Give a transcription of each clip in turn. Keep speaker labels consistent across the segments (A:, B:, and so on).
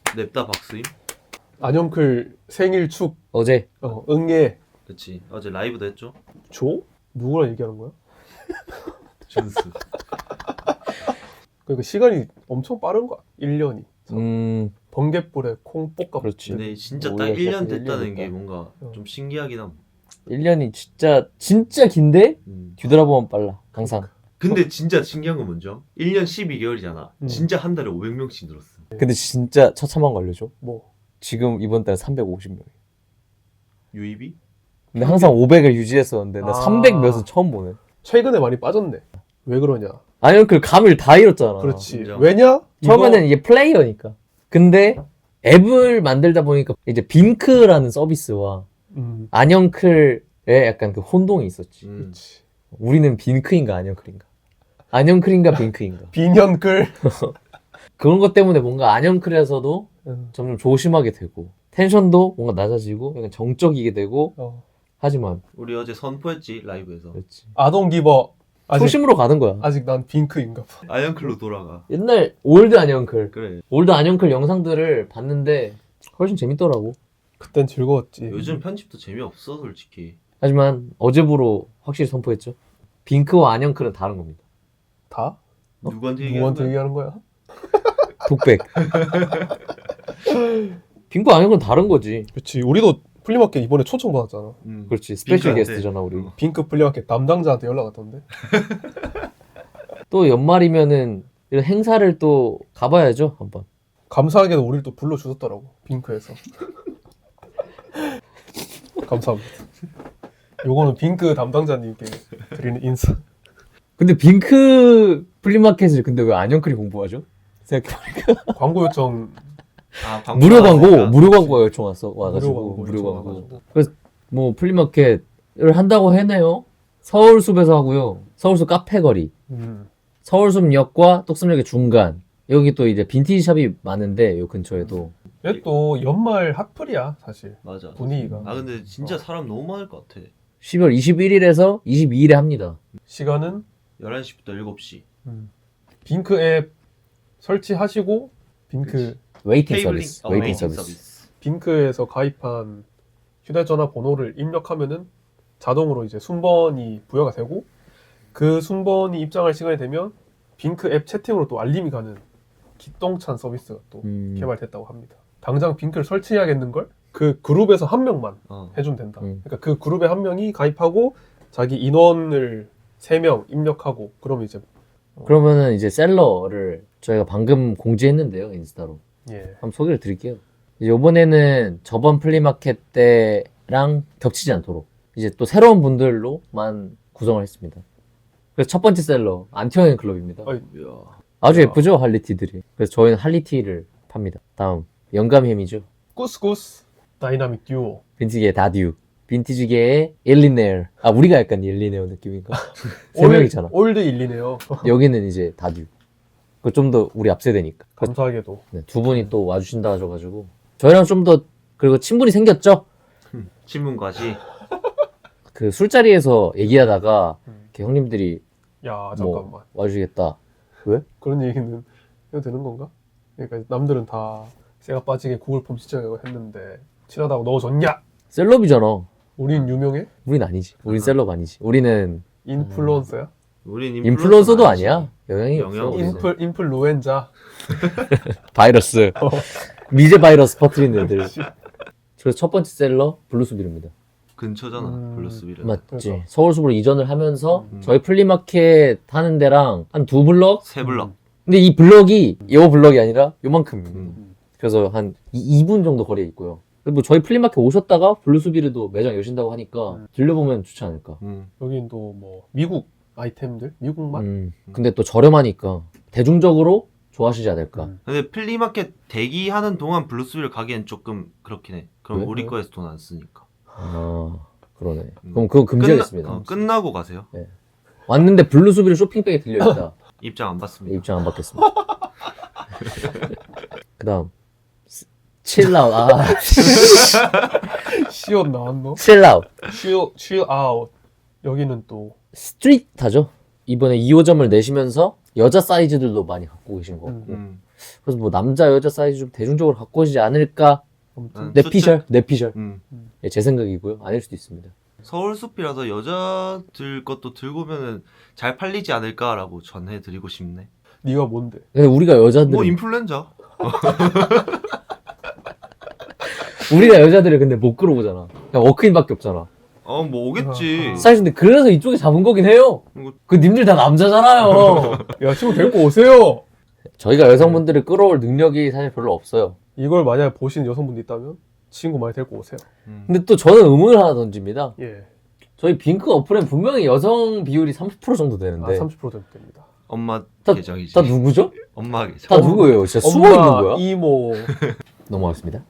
A: 냅다 박스임?
B: 안영클 생일 축
C: 어제
B: 응애
A: 그치. 어제 라이브도 했죠?
B: 조? 누구랑 얘기하는 거야?
A: 준스.
B: 그러니까 시간이 엄청 빠른 거야. 1년이. 번갯불에 콩 볶아.
C: 그렇지.
A: 근데 진짜 딱
C: 우리가
A: 1년
C: 시작한
A: 됐다는
C: 1년
A: 게
C: 됐다.
A: 뭔가 좀 신기하긴 함.
C: 1년이 진짜 긴데 뒤돌아보면 빨라 항상.
A: 근데 진짜 신기한 건 뭔죠? 1년 12개월이잖아.
B: 음.
A: 진짜 한 달에 500명씩 늘었어.
C: 근데 진짜 처참한 거 알려줘.
B: 뭐
C: 지금 이번 달 350명.
A: 유입이?
C: 근데 항상 500을 유지했었는데 나
B: 아.
C: 300 몇은 처음 보네.
B: 최근에 많이 빠졌네. 왜 그러냐?
C: 아니 그 감을 다 잃었잖아.
B: 그렇지.
A: 인정.
B: 왜냐?
C: 처음에는 이게 플레이어니까. 근데 앱을 만들다 보니까 이제 빔크라는 서비스와 안영클의 약간 그 혼동이 있었지.
B: 그렇지.
C: 우리는 빈크인가 안영클인가? 안영클인가 빈크인가?
B: 빈현클.
C: 그런 것 때문에 뭔가 안영클에서도 점점 조심하게 되고 텐션도 뭔가 낮아지고 약간 정적이게 되고 하지만
A: 우리 어제 선포했지 라이브에서.
C: 그렇지.
B: 아동 기버.
C: 초심으로 가는 거야.
B: 아직 난 빈크인가 봐.
A: 아이언클로 돌아가.
C: 옛날 올드 안영클
A: 그래.
C: 올드 안영클 영상들을 봤는데 훨씬 재밌더라고.
B: 그땐 즐거웠지.
A: 요즘 편집도 재미없어 솔직히.
C: 하지만 어제부로 확실히 선포했죠. 빈크와 안영클은 다른 겁니다.
B: 다?
A: 누구한테 얘기하는
B: 누구한테
A: 거야?
B: 얘기하는 거야?
C: 독백. 빈크 안영클은 다른 거지.
B: 그렇지. 우리도 플리마켓 이번에 초청 받았잖아.
C: 그렇지. 스페셜
A: 빈크한테.
C: 게스트잖아 우리.
B: 빈크 플리마켓 담당자한테 연락 왔던데.
C: 또 연말이면은 이런 행사를 또 가봐야죠 한번.
B: 감사하게도 우리를 또 불러주셨더라고. 빈크에서. 감사합니다. 요거는 빈크 담당자님께 드리는 인사.
C: 근데 빈크 플리마켓을 근데 왜 안영클이 공부하죠? 생각해보니까
B: 광고 요청
A: 아,
C: 무료 광고
A: 광고하니까.
C: 무료 광고 요청 와가지고 무료 광고.
B: 요청와가지고.
C: 그래서 뭐 플리마켓을 한다고 해네요. 서울숲에서 하고요. 서울숲 카페거리, 서울숲역과 똑섬역의 중간. 여기 또 이제 빈티지 샵이 많은데 요 근처에도
B: 얘또 연말 핫플이야 사실.
A: 맞아.
B: 분위기가.
A: 아 근데 진짜 사람 너무 많을 것 같아.
C: 12월 21일에서 22일에 합니다.
B: 시간은
A: 11시부터 7시.
B: 빈크 앱 설치하시고 빈크
A: 그치.
C: 웨이팅
A: 테이블링
C: 서비스.
A: 어,
C: 웨이팅
A: 웨이팅
C: 서비스.
B: 빈크에서 가입한 휴대전화 번호를 입력하면은 자동으로 이제 순번이 부여가 되고 그 순번이 입장할 시간이 되면 빈크 앱 채팅으로 또 알림이 가는 기똥찬 서비스가 또 개발됐다고 합니다. 당장 빈크를 설치해야겠는걸? 그 그룹에서 한 명만 해주면 된다. 그러니까 그 그룹에 한 명이 가입하고 자기 인원을 3명 입력하고 그러면 이제
C: 그러면은 이제 셀러를 저희가 방금 공지했는데요 인스타로.
B: 예.
C: 한번 소개를 드릴게요. 이제 이번에는 저번 플리마켓 때랑 겹치지 않도록 이제 또 새로운 분들로만 구성을 했습니다. 그래서 첫 번째 셀러 안티어인 클럽입니다.
B: 어이.
A: 이야.
C: 아주 예쁘죠 할리티들이. 그래서 저희는 할리티를 팝니다. 다음 영감햄이죠.
B: 꾸스꾸스 다이나믹 듀오.
C: 빈티지계의 다듀. 빈티지계의 일리네어. 아 우리가 약간 일리네어 느낌인가? 세 명이잖아.
B: 올드 일리네요.
C: 여기는 이제 다듀. 그 좀 더 우리 앞세대니까.
B: 감사하게도.
C: 네, 두 분이 또 와주신다 하셔가지고 저희랑 좀 더 그리고 친분이 생겼죠.
A: 신문과시.
C: 그 술자리에서 얘기하다가 이렇게 형님들이
B: 야 잠깐만.
C: 뭐 와주시겠다. 왜?
B: 그런 얘기는 해도 되는 건가? 그러니까 남들은 다 새가 빠지게 구글 폼 시청하고 했는데 친하다고 넣어줬냐?
C: 셀럽이잖아.
B: 우린 유명해?
C: 우린 아니지. 우린 셀럽 아니지. 우리는
B: 인플루언서야?
A: 우린
C: 인플루언서도
A: 아니지.
C: 아니야. 영향이 없어.
A: 영향
C: 우리는.
A: 없어.
B: 인플루엔자.
C: 바이러스. 미제 바이러스 퍼뜨리는 애들. 그래서 첫 번째 셀러 블루스빌입니다.
A: 근처잖아. 블루스빌은.
C: 맞지.
B: 그러니까.
C: 서울숲으로 이전을 하면서 저희 플리마켓 하는 데랑 한 2블럭?
A: 세 블럭.
C: 근데 이 블럭이 요 블럭이 아니라 요만큼. 그래서 한 2분 정도 거리에 있고요. 뭐 저희 플리마켓 오셨다가 블루스비르도 매장 여신다고 하니까 들려보면 좋지 않을까.
B: 여긴 또 뭐 미국 아이템들? 미국 맛?
C: 근데 또 저렴하니까 대중적으로 좋아하시지 않을까.
A: 근데 플리마켓 대기하는 동안 블루스빌 가기엔 조금 그렇긴 해. 그럼
C: 왜?
A: 우리 거에서 돈 안 쓰니까.
C: 아 그러네. 그럼 그거 금지하겠습니다.
A: 끝나고 가세요.
C: 왔는데 블루스비르 쇼핑백에 들려있다.
A: 입장 안 받습니다.
C: 입장 안 받겠습니다. 그 다음 칠라웃. 아
B: 시옷 나왔노?
C: 칠라웃.
B: 칠아웃. 여기는 또
C: 스트릿하죠. 이번에 2호점을 내시면서 여자 사이즈들도 많이 갖고 계신 것 같고 그래서 뭐 남자 여자 사이즈 좀 대중적으로 갖고 오시지 않을까.
B: 아무튼
C: 내 피셜.
A: 음.
C: 예, 제 생각이고요. 아닐 수도 있습니다.
A: 서울숲이라서 여자들 것도 들고 오면은 잘 팔리지 않을까라고 전해드리고 싶네.
B: 네가 뭔데?
C: 근데 우리가 여자들
A: 뭐 인플루엔자.
C: 우리가 여자들을 근데 못 끌어오잖아. 그냥 워크인밖에 없잖아.
A: 뭐 오겠지.
C: 사실 근데 그래서 이쪽에 잡은 거긴 해요.
A: 이거-
C: 그 님들 다 남자잖아요.
B: 야 친구 데리고 오세요.
C: 저희가 여성분들을 끌어올 능력이 사실 별로 없어요.
B: 이걸 만약 보시는 여성분이 있다면 친구 많이 데리고 오세요.
C: 근데 또 저는 의문을 하나 던집니다.
B: 예.
C: 저희 빙크 어플엔 분명히 여성 비율이 30% 정도 되는데
B: 30% 정도 됩니다.
A: 엄마
C: 다-
A: 계정이지.
C: 다 누구죠?
A: 엄마 계정.
C: 다 누구예요? 진짜 숨어 있는 거야?
B: 이모,
C: 넘어가겠습니다.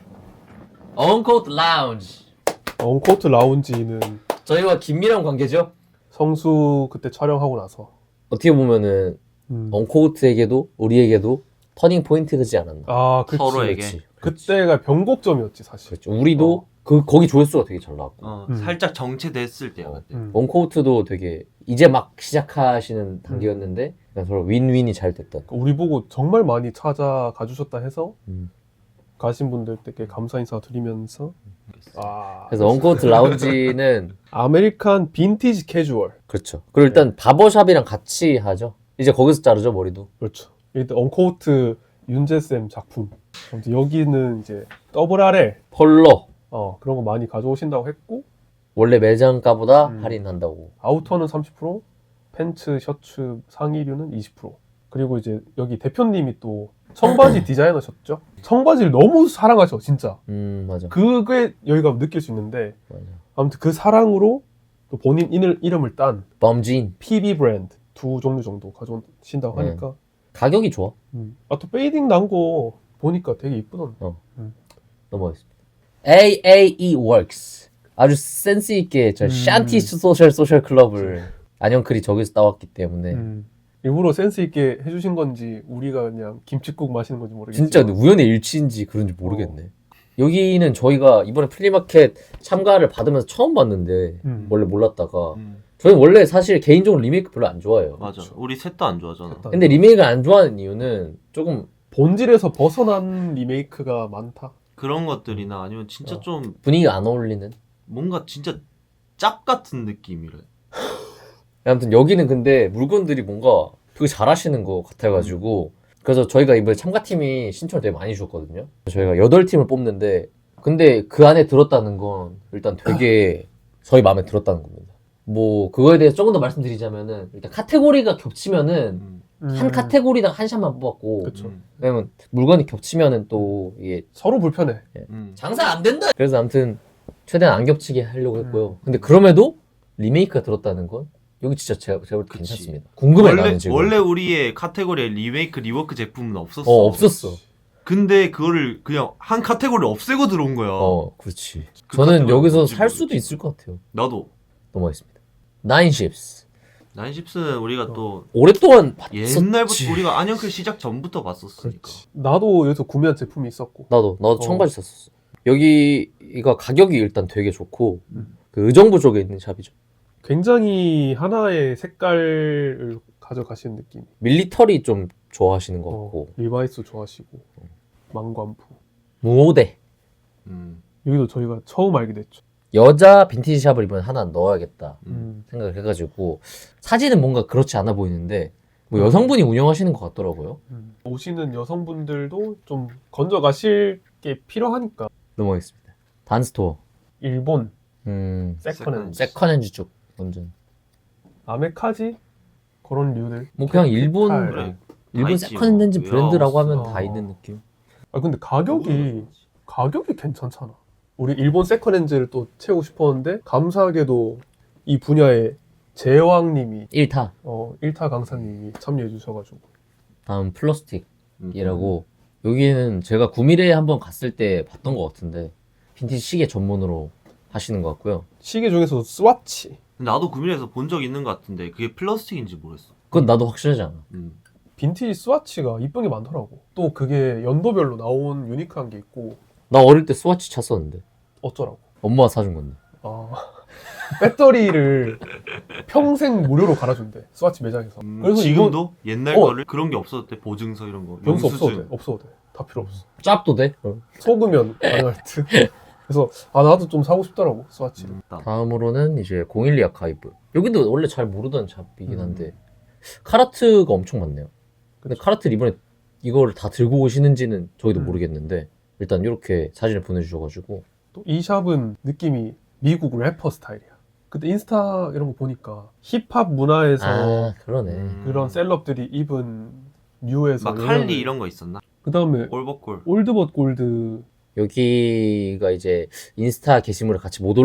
C: 언코트 라운지.
B: 언코트 라운지는
C: 저희와 긴밀한 관계죠.
B: 성수 그때 촬영하고 나서
C: 어떻게 보면은
B: 음.
C: 언코트에게도 우리에게도 터닝 포인트가 되지 않았나.
B: 아, 그치.
A: 서로에게.
B: 그때가 변곡점이었지 사실.
C: 그렇죠. 우리도 거기 조회수가 되게 잘 나왔고.
A: 살짝 정체됐을 때야 그때.
C: 언코트도 되게 이제 막 시작하시는 단계였는데 그냥 서로 윈윈이 잘 됐던.
B: 우리 보고 정말 많이 찾아가 주셨다 해서
C: 음.
B: 가신 분들께 감사 인사 드리면서
C: 그래서 언코트 라운지는
B: 아메리칸 빈티지 캐주얼.
C: 그렇죠. 그리고 일단 바버샵이랑 같이 하죠. 이제 거기서 자르죠 머리도.
B: 그렇죠. 일단 언코트 윤재쌤 작품. 아무튼 여기는 이제 더블 RL
C: 폴로
B: 그런 거 많이 가져오신다고 했고,
C: 원래 매장가보다
B: 음.
C: 할인한다고.
B: 아우터는 30%, 팬츠, 셔츠, 상의류는 20%. 그리고 이제 여기 대표님이 또 청바지 디자이너셨죠? 청바지를 너무 사랑하셔, 진짜.
C: 맞아.
B: 그게 여기가 느낄 수 있는데,
C: 맞아.
B: 아무튼 그 사랑으로 또 본인 이름을 딴
C: 범진
B: PB 브랜드 2종류 정도 가져오신다고
C: 네.
B: 하니까.
C: 가격이 좋아.
B: 또 페이딩 난 거 보니까 되게 이쁘던데.
C: 넘어가겠습니다. AAE Works 아주 센스 있게 저 샨티 소셜 클럽을 안영클이 저기서 따왔기 때문에
B: 일부러 센스 있게 해주신 건지 우리가 그냥 김칫국 마시는 건지 모르겠지만
C: 진짜 우연의 일치인지 그런지 모르겠네. 여기는 저희가 이번에 플리마켓 참가를 받으면서 처음 봤는데 원래 몰랐다가 저는 원래 사실 개인적으로 리메이크 별로 안 좋아해요.
A: 맞아. 우리 셋 다 안 좋아하잖아.
C: 근데 리메이크를 안 좋아하는 이유는 조금
B: 본질에서 벗어난 리메이크가 많다.
A: 그런 것들이나 아니면 진짜 좀
C: 분위기가 안 어울리는.
A: 뭔가 진짜 짭 같은 느낌이래.
C: 아무튼 여기는 근데 물건들이 뭔가 되게 잘하시는 것 같아가지고 그래서 저희가 이번에 참가팀이 신청을 되게 많이 주셨거든요. 저희가 8팀을 뽑는데 근데 그 안에 들었다는 건 일단 되게 저희 마음에 들었다는 겁니다. 뭐 그거에 대해서 조금 더 말씀드리자면은 일단 카테고리가 겹치면은 한 카테고리당 한 샷만 뽑았고
B: 그쵸.
C: 왜냐면 물건이 겹치면은 또 이게
B: 서로 불편해.
C: 장사 안 된다. 그래서 아무튼 최대한 안 겹치게 하려고 했고요. 근데 그럼에도 리메이크가 들었다는 건 여기 진짜 제가 볼 때
A: 그치.
C: 괜찮습니다. 궁금해 나는 지금.
A: 원래 우리의 카테고리에 리메이크 리워크 제품은 없었어.
C: 없었어.
A: 근데 그거를 그냥 한 카테고리 없애고 들어온 거야.
C: 그렇지.
A: 그
C: 저는
A: 카테고리
C: 여기서
A: 뭔지
C: 살 수도
A: 모르겠지.
C: 있을 것 같아요.
A: 나도.
C: 넘어가겠습니다. 나인십스.
A: 나인십스는 우리가 또
C: 오랫동안 봤었지.
A: 옛날부터 우리가 안영클 시작 전부터 봤었으니까.
B: 나도 여기서 구매한 제품이 있었고.
C: 나도 청바지 샀었어. 여기가 가격이 일단 되게 좋고 그 의정부 쪽에 있는 샵이죠.
B: 굉장히 하나의 색깔을 가져가시는 느낌.
C: 밀리터리 좀 좋아하시는 것 같고
B: 리바이스 좋아하시고 망관부.
C: 무오대.
B: 여기도 저희가 처음 알게 됐죠.
C: 여자 빈티지 샵을 이번에 하나 넣어야겠다 생각을 해가지고 사진은 뭔가 그렇지 않아 보이는데 뭐 여성분이 운영하시는 것 같더라고요.
B: 오시는 여성분들도 좀 건져가실 게 필요하니까.
C: 넘어가겠습니다. 단스토어.
B: 일본
A: 세컨핸드.
C: 세컨핸즈 쪽 완전.
B: 아메카지 그런 류들.
C: 뭐 그냥 일본
B: 캡탈.
A: 그래.
C: 일본
A: 있지,
C: 세컨핸즈
A: 뭐.
C: 브랜드라고 하면
B: 웨어하우스.
C: 다 있는 느낌.
B: 근데 가격이 괜찮잖아. 우리 일본 세컨핸즈를 또 채우고 싶었는데 감사하게도 이 분야에 제왕님이
C: 1타.
B: 1타 강사님이 참여해 주셔가지고.
C: 다음 플러스틱이라고 여기는 제가 구미래에 한번 갔을 때 봤던 것 같은데 빈티지 시계 전문으로 하시는 것 같고요.
B: 시계 중에서도 스와치.
A: 나도 구민에서 본 적 있는 것 같은데 그게 플라스틱인지 모르겠어.
C: 그건 나도 확실하지 않아.
B: 빈티지 스와치가 이쁜 게 많더라고. 또 그게 연도별로 나온 유니크한 게 있고
C: 나 어릴 때 스와치 찼었는데
B: 어쩌라고.
C: 엄마가 사준 건데.
B: 아, 배터리를 평생 무료로 갈아준대. 스와치 매장에서. 그래서
A: 지금도 옛날
B: 어.
A: 거를 그런 게 없었대. 보증서 이런 거.
B: 변수 없어도 돼.
A: 영수증.
B: 없어도 돼. 다 필요 없어.
C: 짭도 돼?
B: 속으면 가능할 듯. 그래서 나도 좀 사고 싶더라고 스와치를.
C: 다음으로는 이제 012 아카이브. 여기도 원래 잘 모르던 잡이긴 한데 카라트가 엄청 많네요. 근데 카라트 이번에 이걸 다 들고 오시는지는 저희도 모르겠는데 일단 이렇게 사진을 보내주셔가지고
B: 또 이 샵은 느낌이 미국 래퍼 스타일이야. 그때 인스타 이런 거 보니까 힙합 문화에서
C: 아 그러네.
B: 그런 셀럽들이 입은 류에서
A: 막 할리 이런 거 있었나?
B: 그 다음에
A: 올버콜.
B: 올드벗 골드
C: 여기가 이제 인스타 게시물에 같이 못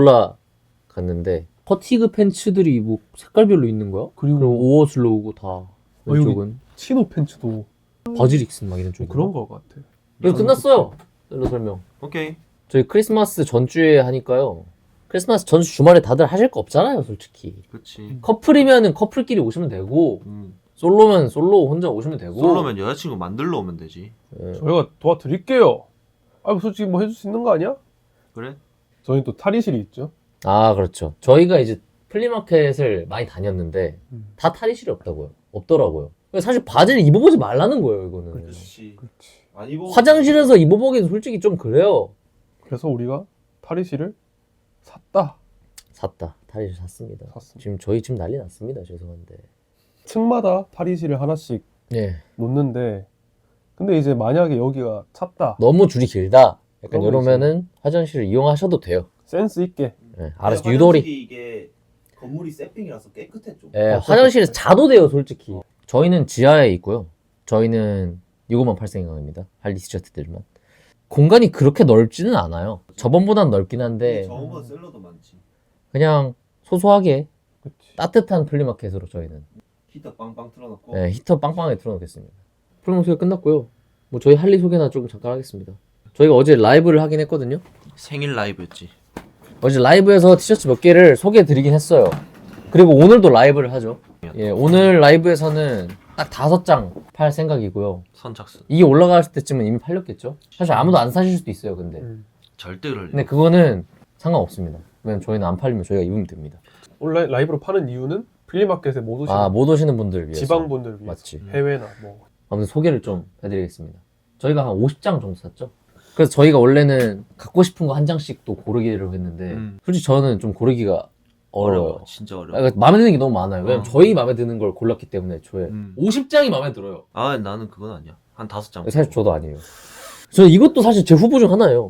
C: 올라갔는데 퍼티그 팬츠들이 뭐 색깔별로 있는 거야?
B: 그리고
C: 그리고 오어슬로우고 다
B: 여기
C: 왼쪽은
B: 치노 팬츠도
C: 버즈릭슨 막 이런 쪽.
B: 그런 거 같아.
C: 이거 끝났어요. 셀러 설명.
A: 오케이.
C: 저희 크리스마스 전주에 하니까요. 크리스마스 전주 주말에 다들 하실 거 없잖아요, 솔직히.
A: 그치.
C: 커플이면은 커플끼리 오시면 되고, 솔로면 솔로 혼자 오시면 되고.
A: 솔로면 여자친구 만들러 오면 되지.
C: 예.
B: 저희가 도와드릴게요. 아, 솔직히 뭐 해줄 수 있는 거 아니야?
A: 그래?
B: 저희 또 탈의실이 있죠.
C: 아, 그렇죠. 저희가 이제 플리마켓을 많이 다녔는데, 다 탈의실이 없다고요. 없더라고요. 사실 바지를 입어보지 말라는 거예요, 이거는.
A: 그렇지. 안 입어.
C: 화장실에서 입어보기는 솔직히 좀 그래요.
B: 그래서 우리가 탈의실을 샀다.
C: 샀다. 탈의실 샀습니다.
B: 샀습니다.
C: 지금 저희 집 난리 났습니다. 죄송한데.
B: 층마다 탈의실을 하나씩
C: 예.
B: 놓는데 근데 이제 만약에 여기가 찼다.
C: 너무 줄이 길다. 약간
B: 그런 거
C: 이러면은 화장실을 이용하셔도 돼요.
B: 센스 있게.
C: 예. 알아서 유도리.
D: 이게 건물이 세핑이라서 깨끗해 좀.
C: 예, 화장실에서 자도 돼요, 솔직히. 저희는 지하에 있고요. 저희는 65만 8생강입니다. 할리 티셔츠들만. 공간이 그렇게 넓지는 않아요. 저번보단 넓긴 한데
D: 저음은 셀러도 많지.
C: 그냥 소소하게
B: 그치.
C: 따뜻한 플리마켓으로 저희는
D: 히터 빵빵 틀어놓고.
C: 예, 히터 빵빵하게 틀어놓겠습니다. 플리마켓 소개 끝났고요. 뭐 저희 할리 소개나 조금 잠깐 하겠습니다. 저희가 어제 라이브를 하긴 했거든요.
A: 생일 라이브였지.
C: 어제 라이브에서 티셔츠 몇 개를 소개해드리긴 했어요. 그리고 오늘도 라이브를 하죠. 예, 오늘 라이브에서는 딱 5장 팔 생각이고요.
A: 선착순.
C: 이게 올라갔을 때쯤은 이미 팔렸겠죠? 사실 아무도 안 사실 수도 있어요, 근데.
A: 절대 그럴 리.
C: 근데 그거는 상관없습니다. 왜냐면 저희는 안 팔리면 저희가 입으면 됩니다.
B: 온라인 라이브로 파는 이유는 플리마켓에 못 오시는
C: 아, 못 오시는 분들 위해서.
B: 지방분들 위해서.
C: 맞지.
B: 해외나 뭐.
C: 아무튼 소개를 좀 해드리겠습니다. 저희가 한 50장 정도 샀죠? 그래서 저희가 원래는 갖고 싶은 거 한 장씩 또 고르기로 했는데, 솔직히 저는 좀 고르기가 어려워요.
A: 진짜
C: 아,
A: 어려워.
C: 그러니까 마음에 드는 게 너무 많아요. 왜냐면 저희 마음에 드는 걸 골랐기 때문에 애초에 50장이 마음에 들어요.
A: 아 나는 그건 아니야. 한 5장.
C: 사실 저도 아니에요. 저는 이것도 사실 제 후보 중 하나예요.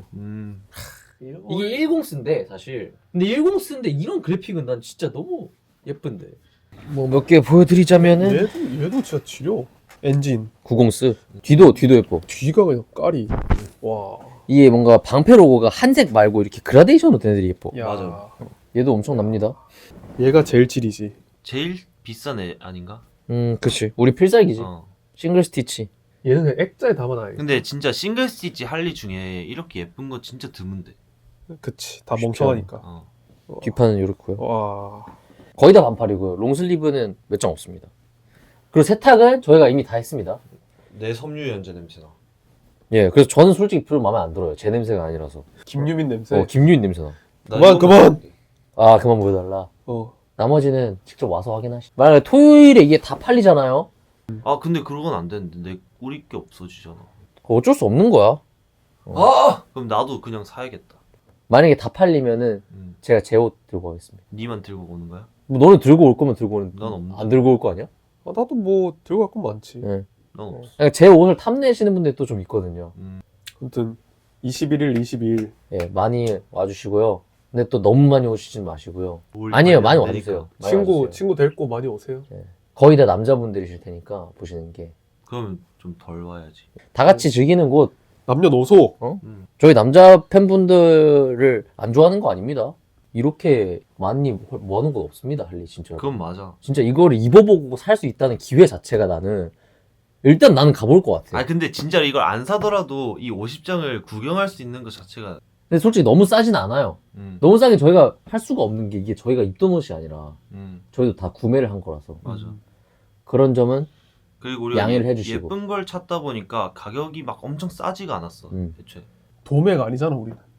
C: 이게 10스인데 사실. 근데 10스인데 이런 그래픽은 난 진짜 너무 예쁜데. 뭐 몇 개 보여드리자면은
B: 얘도 진짜 지려. 엔진.
C: 90스. 뒤도 예뻐.
B: 뒤가 그냥 깔이. 와.
C: 이게 뭔가 방패 로고가 한색 말고 이렇게 그라데이션으로 된 애들이 예뻐.
B: 야.
A: 맞아.
C: 얘도 엄청 납니다.
B: 얘가 제일 질이지.
A: 제일 비싼 애 아닌가?
C: 그치. 우리 필살기지.
A: 어.
C: 싱글 스티치.
B: 얘는 그냥 액자에 담아놔야.
A: 근데 진짜 싱글 스티치 할리 중에 이렇게 예쁜 거 진짜 드문데.
B: 그치. 다
C: 쉽죠.
B: 멍청하니까.
A: 어.
C: 뒷판은 이렇고요.
B: 와.
C: 거의 다 반팔이고요. 롱슬리브는 몇 장 없습니다. 그리고 세탁은 저희가 이미 다 했습니다.
A: 내 섬유 연제 냄새나.
C: 예, 그래서 저는 솔직히 별로 마음에 안 들어요. 제 냄새가 아니라서.
B: 김유민 냄새.
C: 김유인 냄새나.
B: 그만.
C: 아, 그만 보여달라.
B: 어.
C: 나머지는 직접 와서 확인하시. 만약에 토요일에 이게 다 팔리잖아요?
A: 아 근데 그건 안 되는데 내 우리 게 없어지잖아.
C: 어쩔 수 없는 거야.
A: 그럼 나도 그냥 사야겠다.
C: 만약에 다 팔리면은 제가 제 옷 들고 가겠습니다.
A: 니만 들고 오는 거야?
C: 뭐 너는 들고 올 거면 들고 오는.
A: 난 없는데.
C: 안 들고 올 거 아니야?
B: 나도 뭐 들고 갈 건 많지.
C: 예.
A: 난 없어.
C: 그러니까 제 옷을 탐내시는 분들이 또 좀 있거든요.
B: 아무튼 21일, 22일
C: 예, 많이 와주시고요. 근데 또 너무 많이 오시진 마시고요.
A: 올
C: 아니에요, 많이
A: 안
C: 와주세요.
A: 되니까.
C: 많이 와주세요.
B: 친구 데리고 많이 오세요.
C: 거의 다 남자분들이실 테니까 보시는 게.
A: 그러면 좀 덜 와야지.
C: 다 같이 즐기는 곳.
B: 남녀노소.
C: 저희 남자 팬분들을 안 좋아하는 거 아닙니다. 이렇게 많이 모아놓은 건 없습니다, 할리 진짜.
A: 그건 맞아.
C: 진짜 이거를 입어보고 살 수 있다는 기회 자체가 나는 일단 나는 가볼 것 같아.
A: 아 근데 진짜 이걸 안 사더라도 이 50장을 구경할 수 있는 것 자체가.
C: 근데 솔직히 너무 싸진 않아요. 너무 싸게 저희가 할 수가 없는 게 이게 저희가 입던 옷이 아니라 저희도 다 구매를 한 거라서
A: 맞아.
C: 그런 점은
A: 그리고 우리가
C: 양해를 해주시고.
A: 예쁜 걸 찾다 보니까 가격이 막 엄청 싸지가 않았어. 애초에.
B: 도매가 아니잖아 우리는.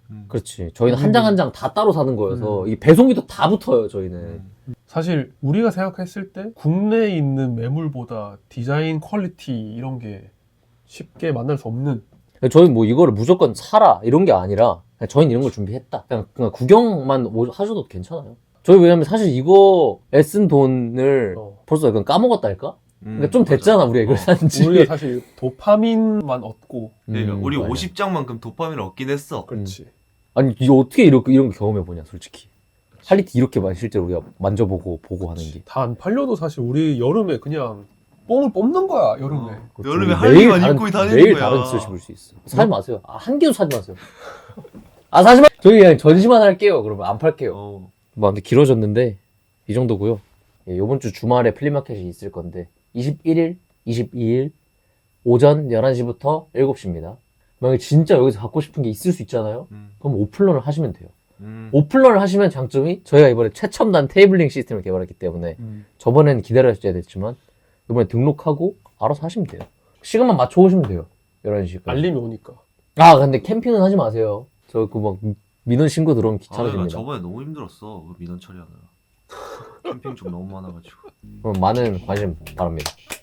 C: 그렇지. 저희는 한 장 한 장 다 따로 사는 거여서 이 배송비도 다 붙어요. 저희는.
B: 사실 우리가 생각했을 때 국내에 있는 매물보다 디자인 퀄리티 이런 게 쉽게 만날 수 없는
C: 저희 뭐 이거를 무조건 사라 이런 게 아니라 그냥 저희는 이런 걸 준비했다. 그냥 구경만 하셔도 괜찮아요. 저희 왜냐면 사실 이거 애쓴 돈을 벌써 약간 까먹었달까? 그러니까 좀 됐잖아 우리가 이걸 산지.
B: 우리가 사실 도파민만 얻고
A: 그러니까 우리
C: 맞아.
A: 50장만큼 도파민을 얻긴 했어.
B: 그렇지.
C: 아니 이거 어떻게 이런 거 경험해보냐 솔직히. 퀄리티 이렇게 실제로 우리가 만져보고 보고 하는 게.
B: 다 안 팔려도 사실 우리 여름에 그냥 뽕을 뽑는 거야 여름에.
A: 여름에 할리만 입고 다니는
C: 매일
A: 거야.
C: 다른 짓을 입을 수 있어. 사지 마세요. 한 개도 사지 마세요. 아 사지 마. 저희 그냥 전시만 할게요. 그러면 안 팔게요. 뭐 근데 길어졌는데 이 정도고요. 예, 이번 주 주말에 플리마켓이 있을 건데 21일, 22일 오전 11시부터 7시입니다. 만약에 진짜 여기서 갖고 싶은 게 있을 수 있잖아요. 그럼 오픈런을 하시면 돼요. 오픈런을 하시면 장점이 저희가 이번에 최첨단 테이블링 시스템을 개발했기 때문에 저번에는 기다려야 됐지만 이번에 등록하고 알아서 하시면 돼요. 시간만 맞춰 오시면 돼요. 11시까지.
B: 알림이 오니까.
C: 아 근데 캠핑은 하지 마세요. 저 그 막 민원 신고 들어오면
A: 나
C: 귀찮아집니다.
A: 저번에 너무 힘들었어. 그 민원 처리하느라. 캠핑 좀 너무 많아가지고.
C: 그럼 많은 관심 바랍니다.